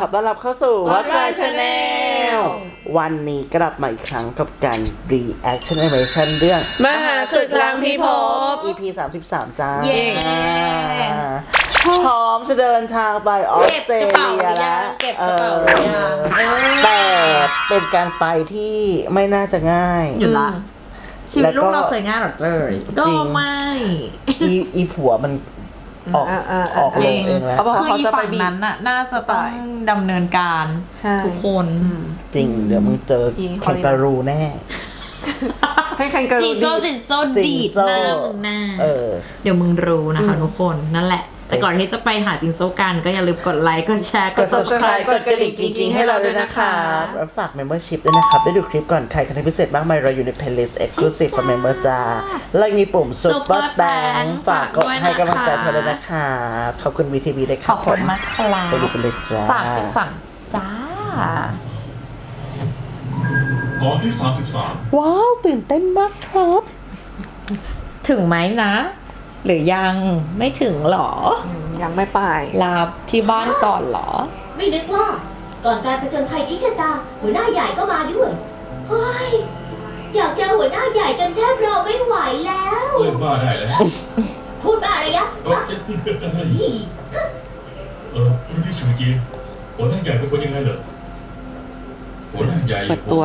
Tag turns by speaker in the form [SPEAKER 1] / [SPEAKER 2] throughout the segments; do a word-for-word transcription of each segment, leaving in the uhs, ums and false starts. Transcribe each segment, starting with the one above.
[SPEAKER 1] อต้อนรับเข้าสู่ Watch My Channel วันนี้กลับมาอีกครั้งกับการ Reaction Animation เรื่อง
[SPEAKER 2] มหาศึกล้างพิภพ
[SPEAKER 1] อี พี สามสิบสาม จ้า
[SPEAKER 2] เย้
[SPEAKER 1] พร้อมจะเดินทางไปออสเตรเลียแล้ว
[SPEAKER 2] เก็บกระเป๋าหรือยัง
[SPEAKER 1] แต่เป็นการไปที่ไม่น่าจะง่าย
[SPEAKER 2] อยู่ละชีวิตลูกเราเคย
[SPEAKER 1] ย
[SPEAKER 2] ง่ายหรอเจ้ยก็ไม่
[SPEAKER 1] อีอีผัวมันออก
[SPEAKER 3] อ่าอ่า
[SPEAKER 1] ออก
[SPEAKER 3] จ
[SPEAKER 1] ล
[SPEAKER 3] ริ
[SPEAKER 1] ง
[SPEAKER 3] ง
[SPEAKER 1] เองแล้ว
[SPEAKER 3] เขาบอก
[SPEAKER 2] คือ
[SPEAKER 3] เขา
[SPEAKER 2] อี
[SPEAKER 3] จะไป
[SPEAKER 2] ฝั่ง
[SPEAKER 3] บี
[SPEAKER 2] นั้นน่ะน่าจะต้องดำเนินการ
[SPEAKER 3] ใช่
[SPEAKER 2] ทุกคน
[SPEAKER 1] จริงเดี๋ยวมึงเจอแคนการูแน่
[SPEAKER 3] ให้คันการู
[SPEAKER 2] จิงโจ้
[SPEAKER 3] ดี
[SPEAKER 2] จิงโจ้ดีดหน้ามึงหน้า
[SPEAKER 1] เออ
[SPEAKER 2] เดี๋ยวมึงรู้นะคะทุกคนนั่นแหละ แต่ก่อนที่จะไปหาจิงโจ้กันก็อย่าลืมกดไลค์กดแชร์ก
[SPEAKER 1] ก
[SPEAKER 2] ด
[SPEAKER 1] ด
[SPEAKER 2] subscribe
[SPEAKER 1] subscribe กดกระดิ่งกิ๊งๆให้เราด้วยนะครับแล้วฝาก membership ด้วยนะครับ ได้ดูคลิปก่อนใครคอนเทนต์พิเศษมากมายเราอยู่ใน playlist exclusive for member จ้าแล้วยังมีปุ่ม super thank ฝากกดให้กำลังใจเธอด้วยนะครับขอบคุณ วี ที วี ด้วยค
[SPEAKER 2] ข
[SPEAKER 1] รั
[SPEAKER 2] อ
[SPEAKER 1] บบ
[SPEAKER 2] คุณมากครับ
[SPEAKER 1] ไปดูกันเลยจ้า
[SPEAKER 2] สามสิบสามจ้า
[SPEAKER 4] ตอนที่สามสิบสาม
[SPEAKER 1] ว้าวตื่นเต้นมากครับ
[SPEAKER 2] ถึงไหมนะ หรือยังไม่ถึงหรอ
[SPEAKER 3] ยังไม่ไป
[SPEAKER 2] ลาที่บ้านก่อนเหรอ
[SPEAKER 5] ไม่นึกว่าก่อนการผจญภัยชี้ชะตาหัวหน้าใหญ่ก็มาด้วยเฮ้ยอยากเจอหัวหน้าใหญ่จนแทบรอไม่ไหวแล้ว
[SPEAKER 4] เล่นบ้าได้แล้ว
[SPEAKER 5] พูดบ้าอะไรยะ
[SPEAKER 4] เออเออรุ่นพี่ชูจีหัวหน้าใหญ่เป็นคนยังไงเหรอหัวหน้าใหญ่
[SPEAKER 3] เปิดตัว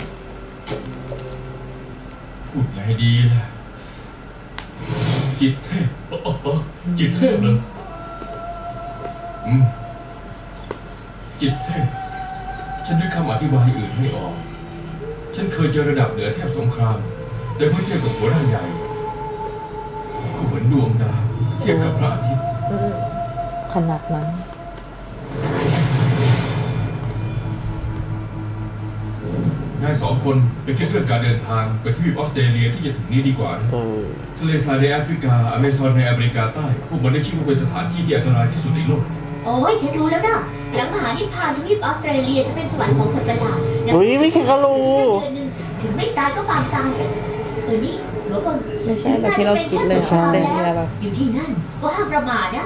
[SPEAKER 4] พูดไงดีล่ะจิตเทพเออเออจิตเทพเหรออืมจิตเทพฉันนึกคำอธิบายอื่นไม่ออก ฉันเคยเจอระดับเหนือเทพสงคราม แต่เมื่อเทียบกับหัวหน้าใหญ่ก็เหมือนดวงดาวเทียบกับพระอาทิตย์
[SPEAKER 2] ขนาดนั้น
[SPEAKER 4] นายสองคนไปคิดเรื่องการเดินทางไปที่ออสเตรเลียที่จะถึงนี้ดีกว่านะ
[SPEAKER 1] เออ
[SPEAKER 4] ทะเลทรายในแอฟริกาอเมซอนในอเมริกาใต้พวกมันได้ชื่อว่าเป็นสถานที่ที่อันตรายที่สุดในโลก
[SPEAKER 5] โอ้ยฉันรู้แล้วนะหลังมหานิพพานทวีปออสเตรเลียจะเป็นสวรรค์ของสัตว์ประหลาด
[SPEAKER 1] อุ้ยมีแคนการู
[SPEAKER 5] เดือนหนึ่งถึงไม่ตายก็ปางตายเออนี่หลวงเฟิง
[SPEAKER 3] ไม่ใช่แบบที่เราคิดเลย
[SPEAKER 5] ใช่
[SPEAKER 3] เต็มเลยแบบ
[SPEAKER 5] อยู่ที่นั่นก็ห้ามประมาทนะ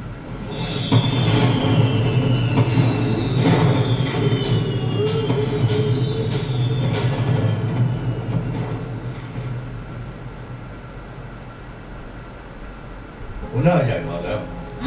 [SPEAKER 4] หัวหน้าใหญ่มาแล้ว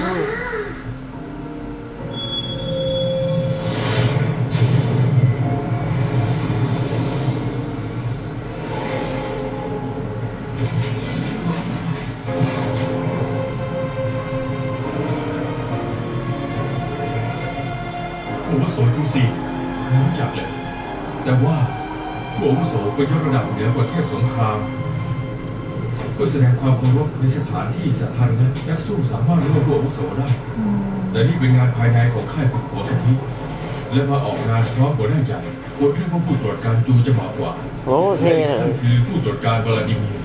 [SPEAKER 4] ผู้อาวุโสจูซีไม่รู้จักเลย แต่ว่าผู้อาวุโสเป็นยศระดับเหนือกว่าเทพสงคราม เพื่อแสดงความเคารพในสถานที่สถานะนักสู้สามารถร่วมผู้อาวุโสได้ แต่นี่เป็นงานภายในของค่ายฝึกหัวกะทิและมาออกงานพร้อมหัวหน้าใหญ่ควรเรียกว่าผู้ตรวจการจูจะเหมาะกว่า
[SPEAKER 1] โอ้เท่เลย
[SPEAKER 4] นั่นคือผู้ตรวจการวลาดิเมียร์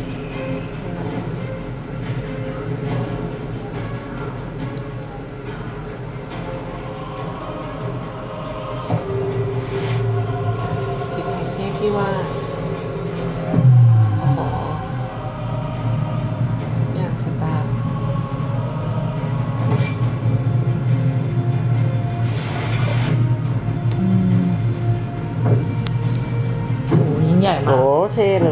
[SPEAKER 3] ที่ที่ว่าโอ้โหอย่างสตาร์
[SPEAKER 2] โอ้ยิ่งใหญ่มา
[SPEAKER 1] โอ้
[SPEAKER 2] ก
[SPEAKER 1] เท่เลย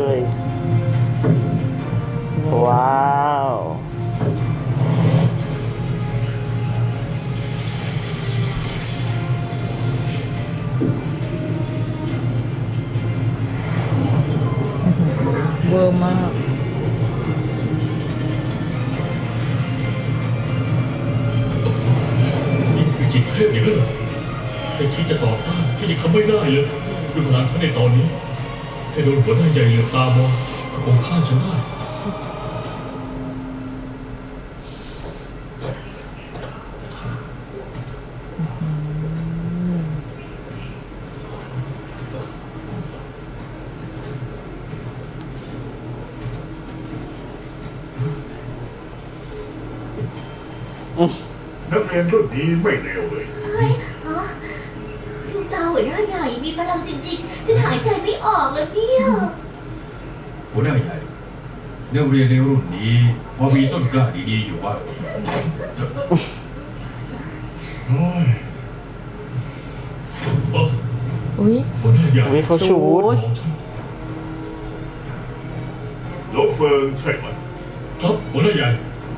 [SPEAKER 1] ว้าว
[SPEAKER 2] เวอร์มาก
[SPEAKER 4] นี่คือจิตเทพอย่างนั้นเหรอแค่คิดจะต่อต้านก็ยังทำไม่ได้เลยดูพลังเขาในตอนนี้แค่โดนหัวหน้าใหญ่เหลือบตามองก็คงฆ่าฉันได้
[SPEAKER 6] นักเรียนรุ่นนี้ไม่เลวเลย
[SPEAKER 5] เฮ้ยฮะลูกตาหัวหน้าใหญ่มีพลังจริงๆฉันหายใจไม่ออกเลยเนี่ย
[SPEAKER 4] หัวหน้าใหญ่นักเรียนในรุ่นนี้พอมีต้นกล้าดีๆอยู่บ้าง
[SPEAKER 6] โอ้ย
[SPEAKER 3] อุ้ย
[SPEAKER 4] หัวหน้าใหญ่
[SPEAKER 1] อุ๊ยเขาชูด
[SPEAKER 4] ของฉัน
[SPEAKER 6] หลวเฟิงใช่ไหม
[SPEAKER 4] ครับหัวหน้าใหญ่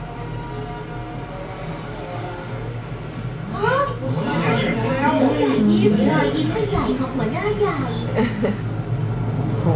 [SPEAKER 5] ยิ้มรอยยิ้มให้ใหญ่ของหัวหน้าใหญ่
[SPEAKER 3] โห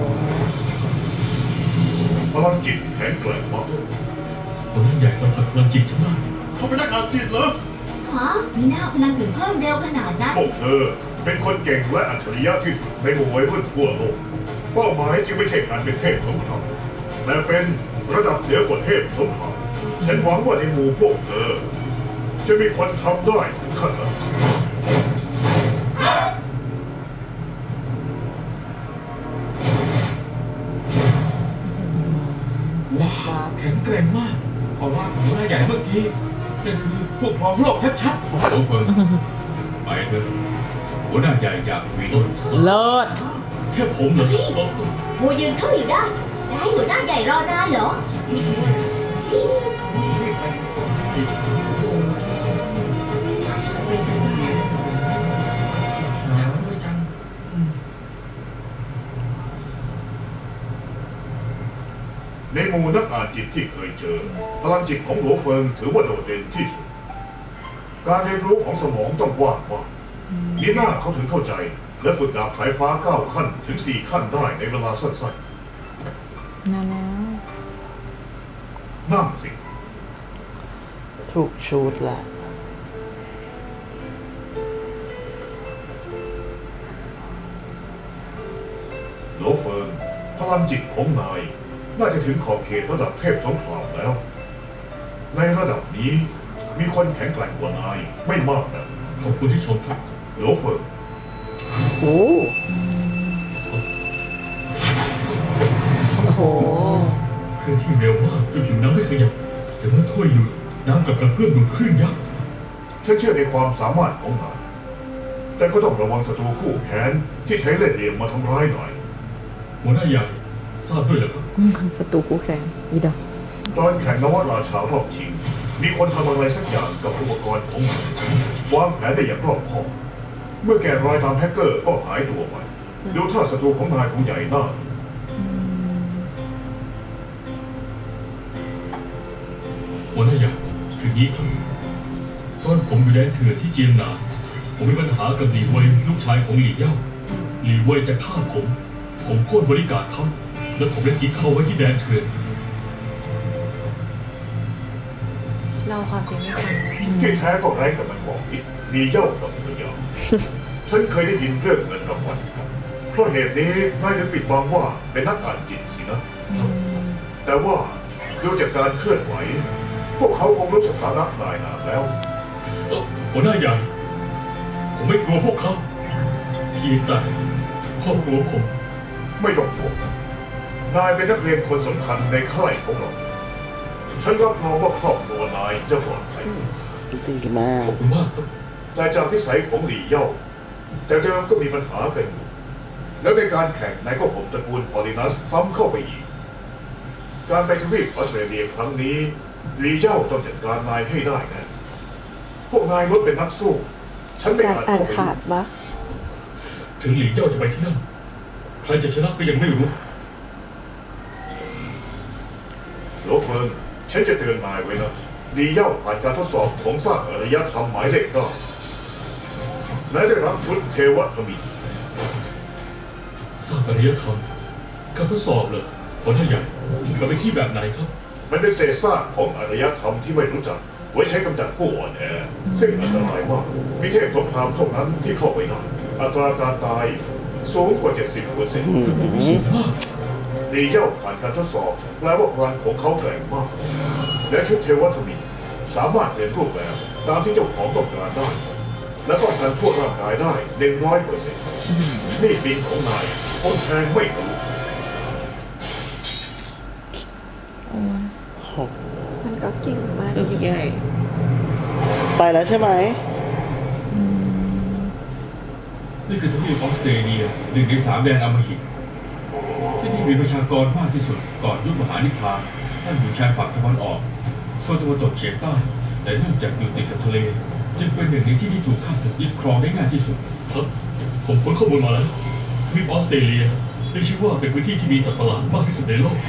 [SPEAKER 6] พลังจิตแข็งแกร่งมาก
[SPEAKER 4] หัวหน้าใหญ่สัมผัสพลังจิตฉันได้
[SPEAKER 6] เขาเป็นนักอ่านจิตเหรอ
[SPEAKER 5] ฮะมีหน้าพลังถึงเพิ่มเร็วขนาดนั้น
[SPEAKER 6] พวกเธอเป็นคนเก่งและอัจฉริยะที่สุดในหมู่วัยรุ่นทั่วโลกเป้าหมายจึงไม่ใช่การเป็นเทพสงครามแต่เป็นระดับเหนือกว่าเทพสงครามฉันหวังว่าในหมู่พวกเธอ จะมีคนทำได้ถึงขั้นนั้น
[SPEAKER 4] ว้าวแข็งแกร่งมากเพราะว่าหัวหน้าใหญ่เมื่อกี้นั่นคือพวกครองโลกชัดๆโอ้เฟิงไปเถอะหัวหน้าใหญ่อยากมีต้น
[SPEAKER 2] เลิศ
[SPEAKER 4] แค่ผมเหรอ
[SPEAKER 5] โมยืนเข้าอยู่ได้ จะให้หัวหน้าใหญ่รอนานเหรอสิ
[SPEAKER 6] ในหมู่นักอ่านจิตที่เคยเจอพลังจิตของหลวเฟิงถือว่าโดดเด่นที่สุด การเรียนรู้ของสมองต้องกว้างมากมีหน้าเขาถึงเข้าใจ และฝึกดาบสายฟ้าเก้าขั้นถึงสี่ขั้นได้ในเวลาสั้น
[SPEAKER 3] มาแล้ว
[SPEAKER 6] ๆนั่งสิ
[SPEAKER 1] ถูกชูดละ
[SPEAKER 6] หลวเฟิงพลังจิตของนาย น่าจะถึงขอบเขตระดับเทพสงครามแล้ว ในระดับนี้มีคนแข็งแกร่งกว่านายไม่มากนะ
[SPEAKER 4] ขอบคุณที่ชมครับ
[SPEAKER 6] หลวเฟิง
[SPEAKER 1] โอ้
[SPEAKER 3] โอ้โห
[SPEAKER 4] เคลื่อนที่เร็วมากจนผิวน้ำไม่ขยับแต่เมื่อถ้วยหยุดน้ำกลับกระเพื่อมดูดคลื่นยักษ์
[SPEAKER 6] ฉันเชื่อในความสามารถของนาย แต่ก็ต้องระวังศัตรูคู่แค้นที่ใช้เล่ห์เหลี่ยมมาทำร้ายหน่อย
[SPEAKER 4] หัวหน้าใหญ่ทราบด้วยเหรอครับ
[SPEAKER 3] ศัตรูคู่แข่งอีดอก
[SPEAKER 6] ตอนแข่งนวัตราชารอบชิง มีคนทำอะไรสักอย่างกับอุปกรณ์ของมันวางแผนได้อย่างรอบคอบ เมื่อแกะรอยตามแฮกเกอร์ก็หายตัวไป ดูท่าศัตรูของนายคงใหญ่หน้า
[SPEAKER 4] หัวหน้าใหญ่คืองี้ครับตอนผมอยู่แดนเถื่อนที่เจียงหนานผมมีปัญหากับหลีเว่ยลูกชายของหลี่เย่าหลี่เว่ยจะฆ่าผม ผมโค่นบริการเขาแล้วผมได้ทิ้งเขาไว้ที่แดนเถื่อน
[SPEAKER 3] เล่าความจริงให้ฟัง
[SPEAKER 6] ที่แท้ก็ไร้กับมันบอกผิดมีเย่ากับตัวยาวฉันเคยได้ยินเรื่องเงินรางวัลเพราะเหตุนี้นายถึงปิดบังว่าเป็นนักอ่านจิตสินะ แต่ว่าดูจากการเคลื่อนไหว พวกเขาคงรู้สถานะนายนานแล้ว
[SPEAKER 4] เอ่อหัวหน้าใหญ่ ผมไม่กลัวพวกเขาเพียงแต่ครอบครัวผม
[SPEAKER 6] ไม่ต้องห่วงนะนายเป็นนักเรียนคนสำคัญในค่ายของเรา ฉันรับรองว่าครอบครัวนายจะปลอดภัย
[SPEAKER 1] ดีมาก
[SPEAKER 4] ขอบคุณมากครับ
[SPEAKER 6] แต่จากนิสัยของหลี่เย่า แต่เดิมก็มีปัญหากันอยู่ แล้วในการแข่งนายก็ผมตระกูลพอลินัสซ้ำเข้าไปอีก การไปทวีปออสเตรเลียครั้งนี้หลี่เย่าต้องจัดการนายให้ได้นะ พวกนายลดเป็นนักสู้ ฉันไม่
[SPEAKER 3] การ
[SPEAKER 6] อาจ
[SPEAKER 3] อ่าน
[SPEAKER 6] เข้าไป
[SPEAKER 3] ขาดปะ
[SPEAKER 4] ถึงหลี่เย่าจะไปที่นั่น ใครจะชนะก็ยังไม่รู้
[SPEAKER 6] โลเฟิงฉันจะเตือนนายไว้นะหลี่เย่าผ่านการทดสอบของสร้างอารยธรรมหมายเลขเก้าและได้รับชุดเทวทมิตร
[SPEAKER 4] สร้างอารยธรรมการทดสอบเลยหัวหน้าใหญ่เราไปที่แบบไหนครับ
[SPEAKER 6] มันเป็นเศษซากของอารยธรรมที่ไม่รู้จัก ไว้ใช้กำจัดผู้อ่อนแอซึ่งอันตรายมาก มีเทพสงครามเท่านั้นที่เข้าไปได้ อัตราการตายสูงกว่า เจ็ดสิบเปอร์เซ็นต์
[SPEAKER 4] สูงมาก
[SPEAKER 6] ดีเย่าผ่านการทดสอบแปลว่าพลังของเขาแกร่งมาก และชุดเทวทมิตรสามารถเปลี่ยนรูปแบบตามที่เจ้าของต้องการได้ และป้องกันทั่วร่างกายได้หนึ่งร้อยเปอร์เซ็นต์นี่บินของนายคนแทงไม่รู้
[SPEAKER 3] มันก็เก่งมาก
[SPEAKER 2] สุดใหญ่
[SPEAKER 1] ไปแล้วใช่ไหม
[SPEAKER 4] นี่คือทวีปออสเตรเลียหนึ่งในสามแดนอำมหิตที่นี่มีประชากรมากที่สุดก่อนยุคมหานิพพานตั้งอยู่ชายฝั่งตะวันออกโซนตะวันตกเฉียงใต้ แต่เนื่องจากอยู่ติดกับทะเล จึงเป็นหนึ่งในที่ที่ถูกข้าศึกยึดครองได้ง่ายที่สุดครับผมค้นข้อมูลมาแล้วทวีปออสเตรเลียได้ชื่อว่าเป็นพื้นที่ที่มีสัตว์ประหลาดมากที่สุดในโลก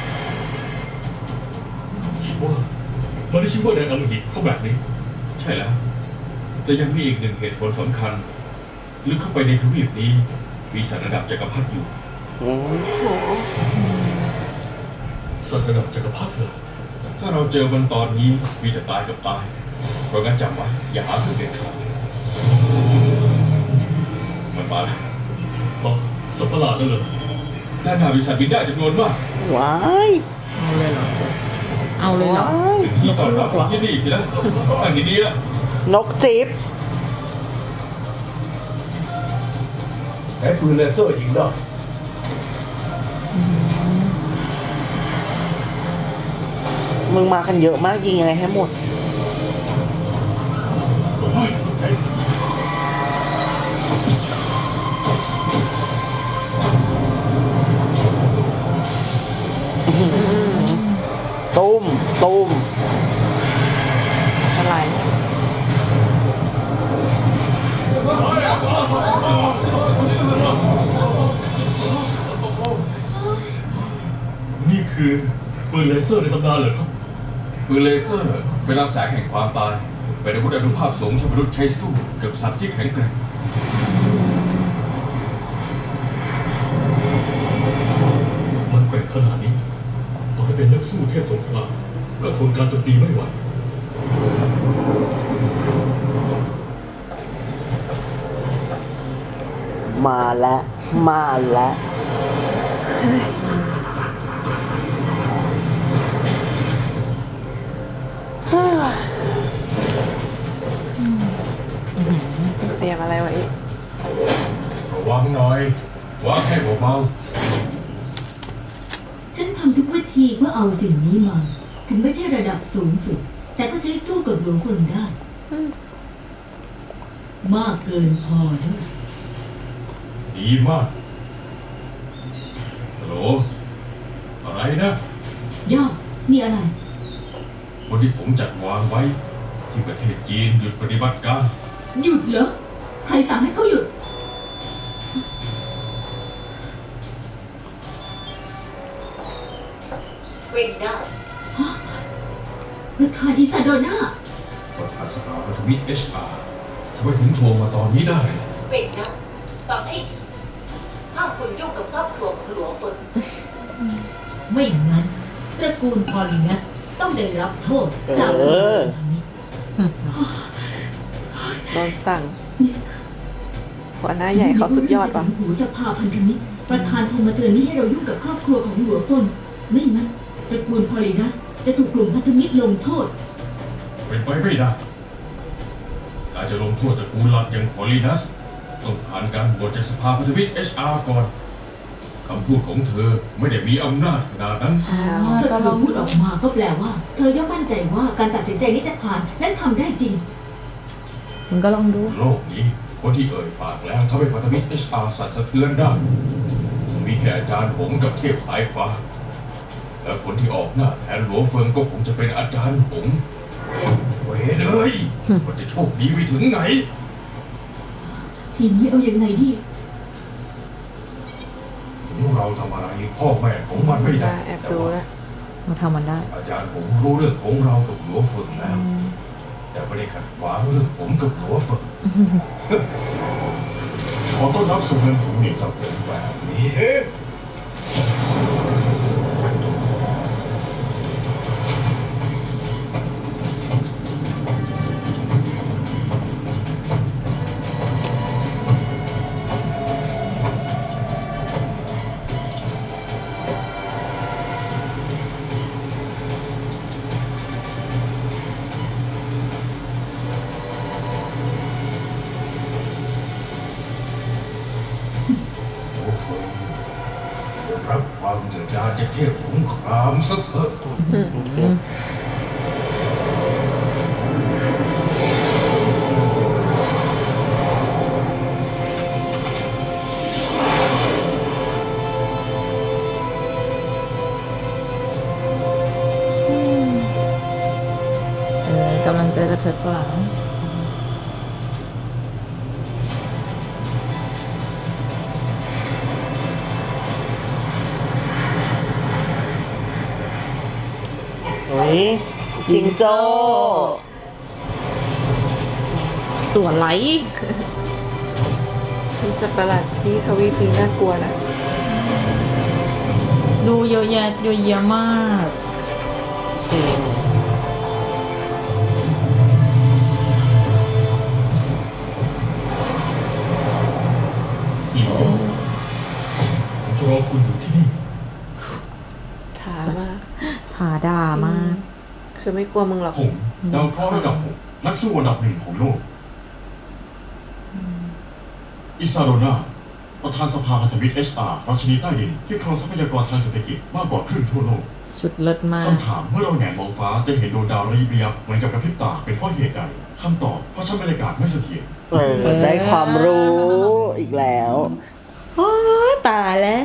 [SPEAKER 4] คิดว่ามันได้ชื่อว่าแดนอมหิตเพราะแบบนี้ ใช่แล้ว แต่ยังมีอีกหนึ่งเหตุผลสำคัญลึกเข้าไปในทวีปนี้มีสัตว์ระดับจักรพรรดิอยู่
[SPEAKER 1] อืม
[SPEAKER 4] สัตว์ระดับจักรพรรดิเหรอถ้าเราเจอมันตอนนี้มีแต่ตายกับตายเพราะงั้นจำไว้อย่าหาเพื่อนเด็ดขาดมันมาแล้วอ๋อสัตว์ประหลาดนั่นเหรอด้านหน้ามีสัตว์บินได้จำนวนมาก
[SPEAKER 1] ว้าย
[SPEAKER 2] เอาเลยเหรอ เอาเลยเหรอ
[SPEAKER 1] ว้าย
[SPEAKER 4] ถึงที่ต้อนรับของที่นี่สินะอันนี้ดีละ
[SPEAKER 1] นกจิ๊บ
[SPEAKER 6] ใช้ปืนเลเซอร์ยิงได้
[SPEAKER 1] มึงมากันเยอะมากยิงยังไงให้หมด ตุ้ม ตุ้ม
[SPEAKER 3] อะไร
[SPEAKER 4] นี่คือปืนเลเซอร์ในตำนานเหรอครับปืนเลเซอร์เป็นลำแสงแห่งความตายเป็นอาวุธอนุภาพสูงที่มนุษย์ใช้สู้กับสัตว์ที่แข็งแกร่งมันแกร่งขนาดนี้ต่อให้เป็นนักสู้เทพสงครามก็ทนการโจมตีไม่ไหว
[SPEAKER 1] มาแล้ว มาแล้ว
[SPEAKER 3] เตรียมอะไรไว้อีก
[SPEAKER 4] ระวังหน่อย วางแค่เบา
[SPEAKER 5] ฉันทำทุกวิธีเพื่อเอาสิ่งนี้มา ถึงไม่ใช่ระดับสูงสุด แต่ก็ใช้สู้กับหลวงคนได้ มากเกินพอด้วย
[SPEAKER 4] ๆดีมากฮัลโหลอะไรนะ
[SPEAKER 5] ย่ามีอะไร
[SPEAKER 4] คนที่ผมจัดวางไว้ ที่ประเทศจีนหยุดปฏิบัติการ
[SPEAKER 5] หยุดเหรอ ใครสั่งให้เขาหยุด เวนด้าประธานอิซาโดนา
[SPEAKER 4] ประธานสภาพันธมิตร เอช อาร์ ทำไมถึงโทรมาตอนนี้ได้
[SPEAKER 5] เวนด้าฟังให้ดีห้ามคุณยุ่งกับครอบครัวของหลวงฝนไม่งั้น ตระกูลพอลินัสต้องได้รับโทษจาก
[SPEAKER 1] เออ
[SPEAKER 3] โดนสั่ง หัวหน้าใหญ่เขาสุดยอดปะ
[SPEAKER 5] หูสภาพันธมิตรประธานโทรมาเตือนไม่ให้เรายุ่งกับครอบครัวของหลวงฝนไม่งั้น ตระกูลพอลินัสจะถูกกลุ่มพันธมิตรลงโทษ
[SPEAKER 4] เป็นไปไม่ได้ การจะลงโทษตระกูลหลักอย่างพอลีนัสต้องผ่านการโหวตจากสภาพันธมิตร เอช อาร์ ก่อน คำพูดของเธอไม่ได้มีอำนาจขนาดนั้น
[SPEAKER 3] อ้าว
[SPEAKER 5] ถ้า
[SPEAKER 3] ก็
[SPEAKER 5] เธ
[SPEAKER 3] ล
[SPEAKER 5] อ
[SPEAKER 3] อง
[SPEAKER 5] พูดออกมาก็แปลว่า เธอย่อมมั่นใจว่าการตัดสินใจนี้จะผ่านและทำได้จริง
[SPEAKER 2] มึงก็ลองดู
[SPEAKER 4] โลกนี้คนที่เอ่ยปากแล้วทำให้พันธมิตร เอช อาร์ สั่นสะเทือนได้ มีแค่อาจารย์หงส์กับเทพสายฟ้า และคนที่ออกหน้าแทนหลวงเฟิงก็คงจะเป็นอาจารย์หงส์เว้ยเลยมันจะโชคดีไปถึงไหน
[SPEAKER 5] ทีนี้เอายังไงดี
[SPEAKER 4] ถึงเราทำอะไรพ่อแม่ของมันไม่ได้
[SPEAKER 3] แอบดูแล้ว
[SPEAKER 2] มาทำมันได้
[SPEAKER 4] อาจารย์ผมรู้เรื่องของเรากับหลวงเฟิงแล้ว แต่ไม่ได้ขัดขวางเรื่องผมกับหลวงเฟิง
[SPEAKER 6] ขอต้อนรับสู่เมืองผมนี่ครับ
[SPEAKER 4] แบบนี้
[SPEAKER 6] เอ๊ะ
[SPEAKER 4] รับความเดือดดาลจากเทพสงครามซะเถอะ
[SPEAKER 2] เออกำลังใจจะเถิดสลาง
[SPEAKER 1] ฮ้ยจิงโจ้
[SPEAKER 2] ตัวไหล
[SPEAKER 3] มีสัตว์ประหลาดที่ทวีปนี้น่ากลัวนะ
[SPEAKER 2] ดูเยอะแยะเยอะแยะมาก
[SPEAKER 1] จริง
[SPEAKER 4] อีโอผมจะรอคุณอยู่ที่นี่
[SPEAKER 3] ถามาก
[SPEAKER 2] ถาดามาก
[SPEAKER 3] คือไม่กลัวมึงหรอก
[SPEAKER 4] ผมดาวเคราะห์ระดับหกนักสู้อันดับหนึ่งของโลก อิซาโรนาประธานสภาพันธมิตร เอช อาร์ ราชินีใต้ดินที่ครองทรัพยากรทางเศรษฐกิจมากกว่าครึ่งทั่วโลก
[SPEAKER 2] สุดเลิศมาก
[SPEAKER 4] คำถามเมื่อเราแหงนมองฟ้าจะเห็นดวงดาวระยิบระยับเหมือนกับกระพริบตาเป็นเพราะเหตุใดคำตอบเพราะชั้นบรรยากาศไม่เสถียร
[SPEAKER 1] เออได้ความรู้อีกแล้ว
[SPEAKER 2] โอ้ยตายแล้ว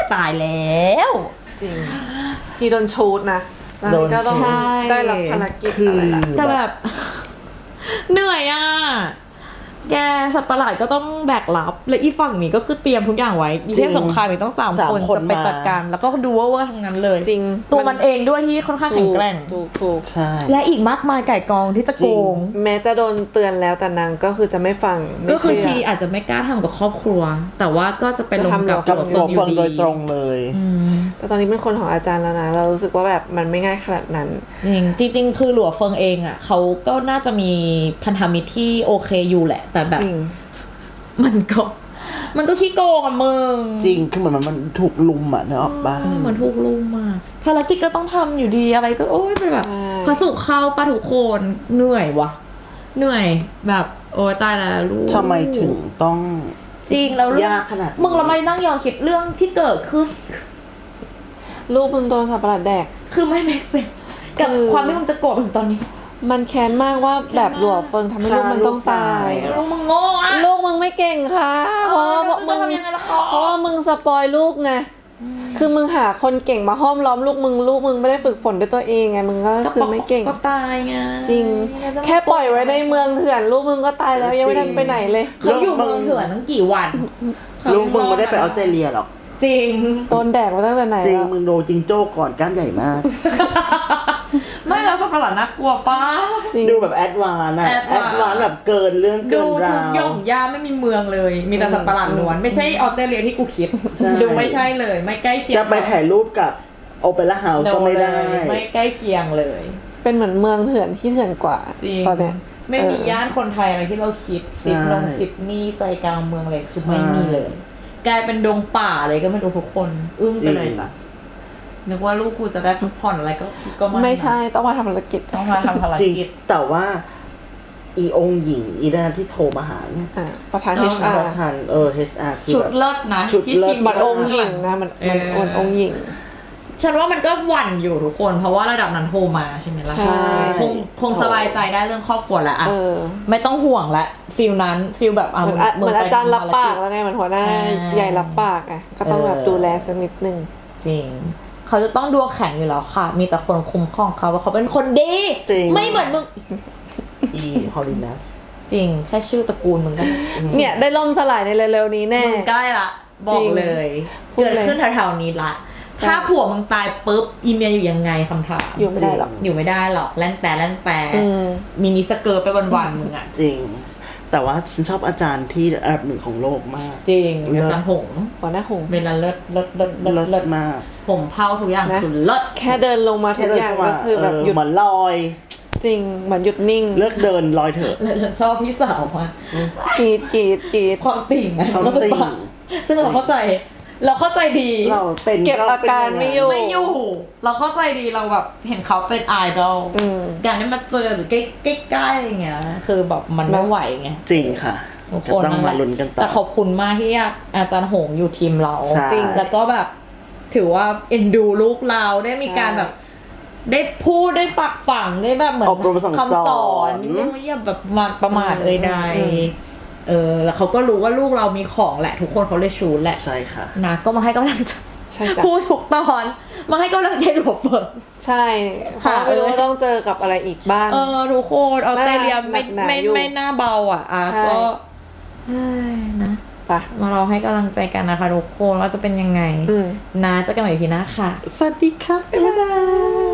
[SPEAKER 2] ตายแล้ว
[SPEAKER 3] จริงนี่โดนชูดนะแล้วนี่ก็ต้อง
[SPEAKER 2] โดนชูด
[SPEAKER 3] ได้รับภารกิจ
[SPEAKER 1] คือ
[SPEAKER 3] อะไรล่ะ
[SPEAKER 2] แต่แบบ เหนื่อยอ่ะ แกสัตว์ประหลาดก็ต้องแบกรับ และอีฝั่งนี้ก็คือเตรียมทุกอย่างไว้อีเทพสงครามมีต้องสาม
[SPEAKER 1] สาม
[SPEAKER 2] คน
[SPEAKER 1] คน
[SPEAKER 2] จะไป
[SPEAKER 1] มา
[SPEAKER 2] จัดการ แล้วก็ดูว่าเวอร์ทั้งนั้นเลย
[SPEAKER 3] จริง
[SPEAKER 2] ตัวมันเองด้วยที่ค่อนข้างแข็งแกร่ง
[SPEAKER 3] ถูกถูก
[SPEAKER 1] ใช่
[SPEAKER 2] และอีกมากมายไก่กองที่จะโกง
[SPEAKER 3] แม้จะโดนเตือนแล้วแต่นางก็คือจะไม่ฟังไม่
[SPEAKER 2] ก็คือ
[SPEAKER 3] เชื่
[SPEAKER 2] ชีอาจจะไม่กล้าทำกับครอบครัว แต่ว่าก็จะไปลงกับ
[SPEAKER 3] จะ
[SPEAKER 1] กับ
[SPEAKER 3] ทำ
[SPEAKER 2] ตัว
[SPEAKER 1] หั
[SPEAKER 2] เฟิ
[SPEAKER 1] ว
[SPEAKER 2] งอ
[SPEAKER 1] เฟิ
[SPEAKER 2] ยู่
[SPEAKER 1] ง
[SPEAKER 2] ดี
[SPEAKER 1] โดยตรงเลย
[SPEAKER 2] อืม
[SPEAKER 3] แต่ตอนนี้เป็นคนของอาจารย์แล้วนะ เรารู้สึกว่าแบบมันไม่ง่ายขนาดนั้น
[SPEAKER 2] จริงจริงๆคือหลัวเฟิงเองอ่ะเขาก็น่าจะมีพันธมิตรที่โอเคอยู่แหละ แต่แบบ
[SPEAKER 3] จริง
[SPEAKER 2] มันก็มันก็ขี้โกงอ่ะมึง
[SPEAKER 1] จริงคือเหมือนมันมันถูกลุมอ่ะเนกอะบ้า
[SPEAKER 2] เหมือนถูกลุมมาภารกิจก็ต้องทำอยู่ดีอะไรก็โอ้ยเป็นแบบ
[SPEAKER 3] ใช่
[SPEAKER 2] พระสุขเข้าปะทุกคนเหนื่อยวะเหนื่อยแบบโอ้ยตายแล้วลูก
[SPEAKER 1] ทำไมถึงต้อง
[SPEAKER 2] จริงแล้วเรื่อง
[SPEAKER 1] ยากขนาดนี้
[SPEAKER 2] มึงเราไม่นั่งย้อนคิดเรื่องที่เกิดขึ้น
[SPEAKER 3] ลูกมึงโดนสัตว์ประหลาดแดก
[SPEAKER 2] คือไม่เมกเซนกับ
[SPEAKER 3] คือ
[SPEAKER 2] ความที่มึงจะโกรธถึงตอนนี้
[SPEAKER 3] มันแค้นมากว่าแบบหลัวเฟิงทำให้ลูกมันต้องตาย
[SPEAKER 2] ลูกมึงโง่อะ
[SPEAKER 3] ลูกมึงไม่เก่งค่ะเพราะว่า
[SPEAKER 2] มึ
[SPEAKER 3] มึ
[SPEAKER 2] ง
[SPEAKER 3] ง
[SPEAKER 2] ทำยังไงล่ะคะ
[SPEAKER 3] เพราะว่ามึงสปอยลูกไงคือมึงหาคนเก่งมาห้อมล้อมลูกมึงลูกมึงไม่ได้ฝึกฝนด้วยตัวเองไงมึงก็คือไม่เก่ง
[SPEAKER 2] ก็ตายไง
[SPEAKER 3] จริง แค่ปล่อยไว้ในเมืองเถื่อนลูกมึงก็ตายแล้วยังไม่ทันไปไหนเลย
[SPEAKER 2] เขาอยู่เมืองเถื่อนตั้งกี่วัน
[SPEAKER 1] ลูกมึงไม่ได้ไปออสเตรเลียหรอก
[SPEAKER 2] จริง
[SPEAKER 3] โดนแดกมาตั้งแต่ไหน
[SPEAKER 1] จริง
[SPEAKER 3] แล้ว
[SPEAKER 1] มึงโดนจิงโจ้ก่อนกล้ามใหญ่มาก
[SPEAKER 2] ไม่แล้วสัตว์ประหลาดน่ากลัวป้า
[SPEAKER 3] จริง
[SPEAKER 1] ดูแบบแอดวานซ์อะแอ
[SPEAKER 2] advance
[SPEAKER 1] ดวานซ์แบบเกินเรื่อง
[SPEAKER 2] ดู
[SPEAKER 1] เกิน
[SPEAKER 2] ทุ
[SPEAKER 1] ราก ว
[SPEAKER 2] ย่อมย่าไม่มีเมืองเลย มีแต่สัตว์ประหลาดล้วน ไม่ใช่ออสเตรเลียที่กูคิด
[SPEAKER 1] ใช่
[SPEAKER 2] ดูไม่ใช่เลย ไม่ใกล้เคียง
[SPEAKER 1] จะไปถ่ายรูปกับโอเปร่าเฮาส์ก็ไม่ได้
[SPEAKER 2] เลยไม่ใกล้เคียงเลย
[SPEAKER 3] เป็นเหมือนเมืองเถื่อนที่เถื่อนกว่า
[SPEAKER 2] จริง
[SPEAKER 3] ตอนเนี้ย
[SPEAKER 2] ไม่มี
[SPEAKER 3] เออ
[SPEAKER 2] ย่านคนไทยอะไรที่เราคิดซิดนงซิดนี่ใจกลางเมืองเลยคือไม่
[SPEAKER 1] ใช่
[SPEAKER 2] มีเลย กลายเป็นดงป่าเลยก็ไม่รู้ทุกคน อึ้งไปเลยจ้ะนึกว่าลูกกูจะได้พักผ่อนอะไรก็ก็ไม่
[SPEAKER 3] ไม่ใช่ต้องมาทำภารกิจ
[SPEAKER 2] ต้องมาทำภาร
[SPEAKER 1] จริง
[SPEAKER 2] กิจ
[SPEAKER 1] แต่ว่า อีองค์หญิงอีด้านที่โทรมาหาเนี่ย
[SPEAKER 3] อ่ะประธาน
[SPEAKER 2] เอา
[SPEAKER 3] เอช อา
[SPEAKER 1] ป
[SPEAKER 3] ร์
[SPEAKER 1] ระธานเออ เอช อาร์ คือ
[SPEAKER 2] ชุด
[SPEAKER 1] แบบ
[SPEAKER 2] เลิศนะ
[SPEAKER 1] ชุด
[SPEAKER 2] ที่
[SPEAKER 1] เลิศ
[SPEAKER 2] ชิง
[SPEAKER 3] เหมือนองค์หญิงนะมันมัน
[SPEAKER 2] เออ
[SPEAKER 3] มันองค์หญิง
[SPEAKER 2] ฉันว่ามันก็หวั่นอยู่ทุกคน เพราะว่าระดับนั้นโทรมาใช่ไหมล่ะ
[SPEAKER 3] ใช่
[SPEAKER 2] คงคงสบายใจได้เรื่องครอบครัวแล้วอะ
[SPEAKER 3] เออ
[SPEAKER 2] ไม่ต้องห่วงละฟิลนั้นฟิลแบบอ่ะ
[SPEAKER 3] เหมือนอะเหมือน
[SPEAKER 2] ไป
[SPEAKER 3] อาจารย์รับ
[SPEAKER 2] ทำภ
[SPEAKER 3] ปาก
[SPEAKER 2] จ
[SPEAKER 3] แล้วไงเหมือนหัวหน้า
[SPEAKER 2] ใช่
[SPEAKER 3] ใหญ่รับปากอ่ะก็ต้องแบบ
[SPEAKER 2] เออ
[SPEAKER 3] ดูแลสักนิดนึง
[SPEAKER 2] จริง เขาจะต้องดวงแข็งอยู่แล้วค่ะ มีแต่คนคุ้มครองเขาว่าเขาเป็นคนดี
[SPEAKER 1] จริง
[SPEAKER 2] ไม่เหมือนมึง
[SPEAKER 1] อีฮอลลินัส
[SPEAKER 2] จริง แค่ชื่อตระกูลมึงก็
[SPEAKER 3] เนี่ยได้ล่มสลายในเร็วๆนี้แน่
[SPEAKER 2] มึงใกล้ละ บอ
[SPEAKER 3] จริ
[SPEAKER 2] ก
[SPEAKER 3] ง
[SPEAKER 2] เลย
[SPEAKER 3] พูด
[SPEAKER 2] เกิด
[SPEAKER 3] เลย
[SPEAKER 2] ขึ้นแถวๆนี้ละ
[SPEAKER 3] ใช่
[SPEAKER 2] ถ้าผัวมึงตายปุ๊บ อีเมียอยู่ยังไงคำถาม
[SPEAKER 3] อยู่ไม่ได้หรอก
[SPEAKER 2] อยู่ไม่ได้หรอกแล่นแต่แล่นแต่
[SPEAKER 3] อืม
[SPEAKER 2] มินิสเกิร์ตไปวันๆมึงอะ
[SPEAKER 1] จริง แต่ว่าฉันชอบอาจารย์ที่อันดับหนึ่งของโลกมาก
[SPEAKER 2] จริง
[SPEAKER 1] เลิศ
[SPEAKER 2] อาจารย์หงส์
[SPEAKER 3] หัวหน้าหงส์
[SPEAKER 2] เวลาเลิศเลิศเลิศเลิศ
[SPEAKER 1] เลิ
[SPEAKER 2] เลิ
[SPEAKER 1] ศ
[SPEAKER 2] ศ
[SPEAKER 1] มาก
[SPEAKER 2] ผมเผาทุกอย่าง
[SPEAKER 3] นะ
[SPEAKER 2] คือเลิศ
[SPEAKER 3] แค่เดินลงมาทุกอย่างก็คือแบบหยุด
[SPEAKER 1] เหมือนลอย
[SPEAKER 3] จริงเหมือนหยุดนิ่ง
[SPEAKER 1] เลิกเดินลอยเถอะ
[SPEAKER 2] แล้วฉันชอบพี่สาวมาก
[SPEAKER 3] กรีดกรีดกรีด
[SPEAKER 2] ความติ่งนะ
[SPEAKER 1] ความ
[SPEAKER 2] ก็คือ
[SPEAKER 1] ติ่ง
[SPEAKER 2] ปะซึ่งเราเข้าใจ เราเข้าใจดี
[SPEAKER 1] เราเป็น
[SPEAKER 3] เก็บอาการไม่อยู่
[SPEAKER 2] ไม่อยู่ เราเข้าใจดีเราแบบเห็นเขาเป็นไอดอล
[SPEAKER 3] อืม
[SPEAKER 2] การได้มาเจอหรือใกล้ใกล้ๆอย่างเงี้ยคือแบบมันไม่ไหวไง
[SPEAKER 1] จริงค่ะ
[SPEAKER 2] ทุก
[SPEAKER 1] ก็
[SPEAKER 2] คน
[SPEAKER 1] ต้องมาลุ้นกันต่อ
[SPEAKER 2] แต่ขอบคุณมากที่อาจารย์หงอยู่ทีมเรา
[SPEAKER 1] ใช่
[SPEAKER 2] จริงแล้วก็แบบถือว่าเอ็นดูลูกเราได้มีการแบบ ได้พูดได้ปักฝังได้แบบเหมือน
[SPEAKER 1] อบรมสั่งสอน
[SPEAKER 2] คำสอนไม่อย่าแบบมาประมาทเอ่ยใด
[SPEAKER 3] อืม
[SPEAKER 2] เออแล้วเขาก็รู้ว่าลูกเรามีของแหละ ทุกคนเขาเลยชูแหละ
[SPEAKER 1] ใช่ค่ะ
[SPEAKER 2] นะก็มาให้กำลังใจ
[SPEAKER 3] ใช่จ้ะ
[SPEAKER 2] พูดทุกตอนมาให้กำลังใจหลวงเฟิร์น
[SPEAKER 3] ใช่เพราะไม่รู้ว่าต้องเจอกับอะไรอีกบ้าง
[SPEAKER 2] เออทุกคนออสเตรเลียไม่
[SPEAKER 3] หนักหนา
[SPEAKER 2] ไม่
[SPEAKER 3] อยู่
[SPEAKER 2] ไม่น่าเบาอ่ะอ่ะ
[SPEAKER 3] ใช่
[SPEAKER 2] ก็เฮ้ยนะ
[SPEAKER 3] ไปะ
[SPEAKER 2] มาเราให้กำลังใจกันนะคะทุกคนว่าจะเป็นยังไง
[SPEAKER 3] อืม
[SPEAKER 2] นะเจะกันใหม่พีหน้าค่ะ
[SPEAKER 1] สวัสดีค่ะบ๊ายบาย